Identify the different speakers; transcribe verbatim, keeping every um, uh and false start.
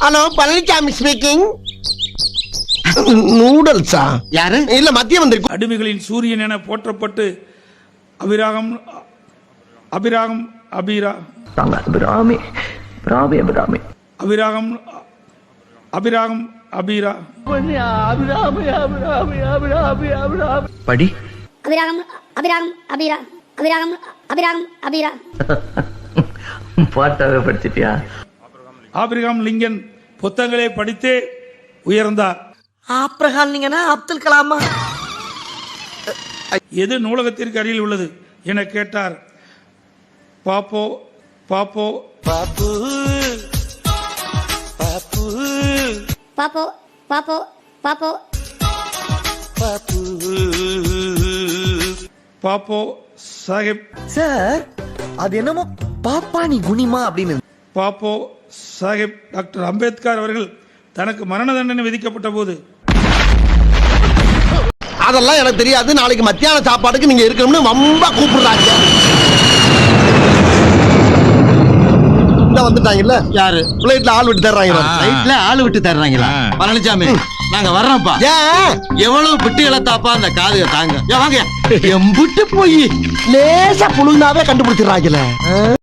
Speaker 1: Hello Palaniswami speaking. நூடல்ஸா?
Speaker 2: யாரு?
Speaker 1: இல்ல மத்திய வந்திருக்கு.
Speaker 3: அடிமைகளின் சூரியன் என போற்றப்பட்டு அபிராகம் அபிராகம் அபிரா
Speaker 4: அபிராமி அபிராமி அபிராமி
Speaker 3: அபிராகம் அபிராகம் அபிரா
Speaker 4: படி
Speaker 5: அபிராகம் அபிராகம் அபிரா அபிராகம் அபிராகம் அபிரா
Speaker 4: பாட்டாவே படிச்சிட்டியா?
Speaker 3: ஆபிரகாம் லிங்கன் புத்தகங்களை படித்தே உயர்ந்தார்.
Speaker 2: ஆப்ரஹாம் லிங்கனா அப்துல் கலாமா?
Speaker 3: எது நூலகத்திற்கு அருகில் உள்ளது என கேட்டார். பாப்போ பாப்போ
Speaker 5: பாப்போ பாப்போ பாப்போ
Speaker 3: பாப்போ சாஹிப்
Speaker 2: சார் அது என்னமோ பாப்பானி குனிமா அப்படின்னு.
Speaker 3: பாப்போ சாஹிப் டாக்டர் அம்பேத்கர் அவர்கள் தனக்கு மரண தண்டனை விதிக்கப்பட்ட போது
Speaker 1: அதெல்லாம் எனக்கு தெரியாது. நாளைக்கு மத்தியான சாப்பாடுக்கு நீங்க இருக்கணும்னு ரொம்ப கூப்பிடுறாங்க. வந்துட்டாங்கல்ல யாரு? பிளேட்ல ஆள் விட்டு தர்றாங்க.
Speaker 2: ரைட்ல ஆள் விட்டு தர்றாங்களா? பழனிசாமி நாங்க வர்றோம்ப்பா.
Speaker 1: ஏன்
Speaker 2: எவ்வளவு பிட்டு இழத்தாப்பா அந்த காதுக தாங்க. வாங்க எம்புட்டு போய்
Speaker 1: லேசா புழுந்தாவே கண்டுபிடிச்சிடறாங்கல்ல.